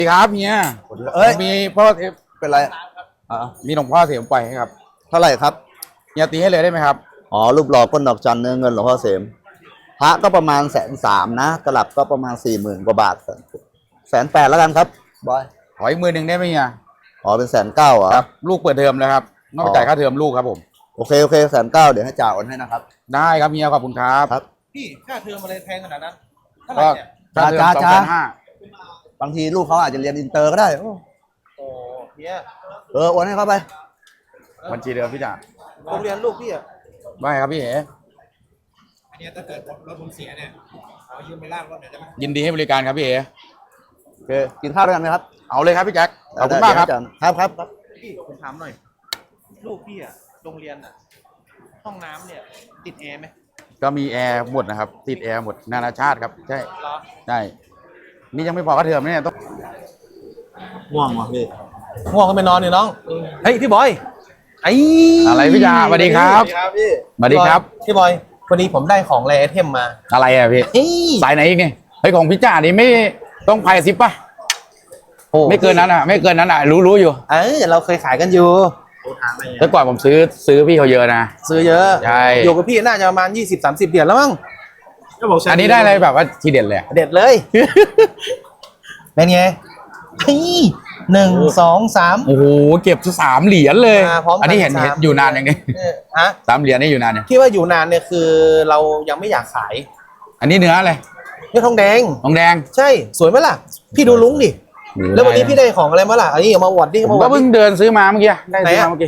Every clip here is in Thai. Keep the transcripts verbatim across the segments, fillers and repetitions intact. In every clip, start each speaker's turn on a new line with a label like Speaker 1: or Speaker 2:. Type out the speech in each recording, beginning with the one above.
Speaker 1: ดีครับเฮีย
Speaker 2: เอ้ย
Speaker 1: มีพ่อเทพ
Speaker 2: เป็นไรอ่า
Speaker 1: มีหลวงพ่อเสียมไปให้ครับ
Speaker 2: เท่าไหร่ครับ
Speaker 1: เฮียตีให้เลยได้ไหมครับ
Speaker 2: อ๋อรูปหล่อก้นดอกจันเนื้อเงินหลวงพ่อเสมพระก็ประมาณแสนสามนะตลับก็ประมาณสี่หมื่นกว่าบาทแสนแปดแล้วกันครับบอย
Speaker 1: ขออีกมือหนึ่งได้ไหมเฮีย
Speaker 2: อ๋อเป็นแสนเก้าเหรอ
Speaker 1: ครับลูกเปิดเทอมแล้วครับต้องไปจ่ายค่าเทอมลูกครับผม
Speaker 2: โอเคโอเคแสนเก้าเดี๋ยวให้จ่าโอนให้นะครับ
Speaker 1: ได้ครับเฮียขอบคุณครับ
Speaker 2: ครับ
Speaker 3: พี่ค่าเทอมอะไรแพงขนาดนั้นเท่าไหร่เนี่ย
Speaker 1: ค่าเทอมสองพันห้า
Speaker 2: บางทีลูกเขาอาจจะเรียนอินเตอร์ก็ได้โอ้
Speaker 3: เฮีย
Speaker 2: เออโอนให้เขาไป
Speaker 1: บัญชีเดิมพี่จ่า
Speaker 3: โรงเรียนลูกพี่อ่ะ
Speaker 1: ไม่ครับพี่เอ๋
Speaker 3: อันนี้ถ้าเกิดรถผมเสียเนี่ยเอายืมไปลากรถหน่อยได้ไหม
Speaker 1: ยินดีให้บริการครับพี่เอ๋
Speaker 2: โอเคกินข้าวด้วยกันไหมครับ
Speaker 1: เอาเลยครับพี่แจ็คขอบคุณมากครับ
Speaker 2: ครับครับครับ
Speaker 3: พี่ผมถามหน่อยลูกพี่อ่ะโรงเรียนอ่ะห้องน้ำเนี่ยติดแอร์ไหม
Speaker 1: ก็มีแอร์หมดนะครับติดแอร์หมดนานาชาติครับใช่
Speaker 3: เหรอ
Speaker 1: ใช่นี่ยังไม่พอค่าเทอมเนี่ยต้อง
Speaker 2: ง่วงว่ะพี่
Speaker 3: ง่วงก็ไปนอนเนี่ยน้องเฮ้ยพี่บอยไอ
Speaker 1: อะไรพี่จ่าสวัสดีครับ
Speaker 2: พี่
Speaker 1: สวัสดีครับ
Speaker 3: พี่บอยวันนี้ผมได้ของแรไอเทมมา
Speaker 1: อะไรอ่ะพี่สายไหนอีกไงเฮ้ยของพี่จ่านี่ไม่ต้องไพ่ซิปป่ะไม่เกินนั้นอ่ะไม่เกินนั้นอ่ะรู้รู้อยู่
Speaker 3: เออเราเคยขายกันอยู่
Speaker 1: แต่ก่อนผมซื้อซื้อพี่เขาเยอะนะ
Speaker 3: ซื้อเยอะ
Speaker 1: ใช่
Speaker 3: อยู่กับพี่น่าจะประมาณยี่สิบสามสิบเหรียญแล้วมั้ง
Speaker 1: อันนี้ได้อะไรแบบว่าทีเด็ดเลย
Speaker 3: เด็ดเลยเป็นไงหนึ่งสองสาม
Speaker 1: โอ้โหเก็บสามเหรียญเลยอันนี้เห็นเห็นอยู่นานยังไง
Speaker 3: ฮะ
Speaker 1: สามเหรียญนี่อยู่นานเนี่ย
Speaker 3: ที่ว่าอยู่นานเนี่ยคือเรายังไม่อยากขาย
Speaker 1: อันนี้เนื้ออะไร
Speaker 3: เนื้อทองแดง
Speaker 1: ทองแดง
Speaker 3: ใช่สวยไหมล่ะพี่ดูลุงดิแล้ววันนี้พี่ได้ของอะไรมาล่ะอันนี้เอามาอวดดิ
Speaker 1: ผมก็เพิ่งเดินซื้อมาเมื่อกี้ได้ซื้อมาเมื่อกี้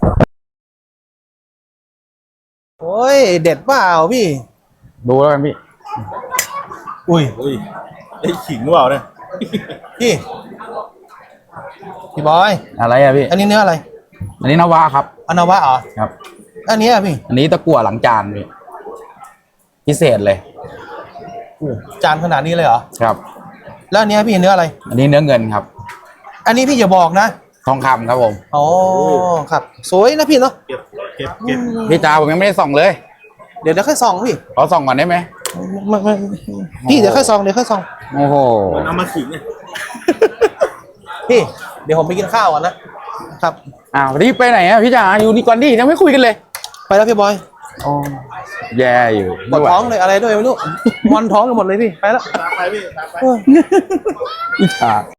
Speaker 3: โอ้ยเด็ดเปล่าพี่
Speaker 1: ดูแล้วกันพี่
Speaker 3: อุ้ยอุ้ยได้ขิงหรือเปล่าเนี่ยพี่พี่บอย
Speaker 1: อะไรอะพี่
Speaker 3: อันนี้เนื้ออะไร
Speaker 1: อันนี้นวะครับ
Speaker 3: อันนวะเหรอ
Speaker 1: ครับ
Speaker 3: อันนี้อะพี่
Speaker 1: อันนี้ตะกั่วหลังจานพี่พิเศษเลย
Speaker 3: จานขนาดนี้เลยเหรอ
Speaker 1: ครับ
Speaker 3: แล้วอันนี้พี่เนื้ออะไร
Speaker 1: อันนี้เนื้อเงินครับ
Speaker 3: อันนี้พี่อย่าบอกนะ
Speaker 1: ทองคำครับผม
Speaker 3: อ๋อครับสวยนะพี่เนาะ
Speaker 2: เก็บเก็บเก็บ
Speaker 1: พี่จ่าผมยังไม่ได้ส่องเลย
Speaker 3: เดี๋ยวเดี๋ยวค่อยส่องพี่
Speaker 1: ขอส่องก่อนได้ไหม
Speaker 3: ไม่ไม่พี่เดี๋ยวค่อยส่องเดี๋ยวค่อยส่อง
Speaker 1: โอ้โห
Speaker 2: เอามาขิงเนี่ย
Speaker 3: พี่เดี๋ยวผมไปกินข้าวก่อนนะครับ
Speaker 1: อ้าวรีบไปไหนอ่ะพี่จ่าอยู่นี่ก่อนดิยังไม่คุยกันเลย
Speaker 3: ไปแล้วพี่บอย
Speaker 1: อ๋อแย่อยู่
Speaker 3: ปวดท้องเลยอะไรด้วยไม่รู้มอนท้องกันหมดเลยพี่ไปแล้ว
Speaker 2: ตามไปพี่ตามไป
Speaker 1: พี่จ่า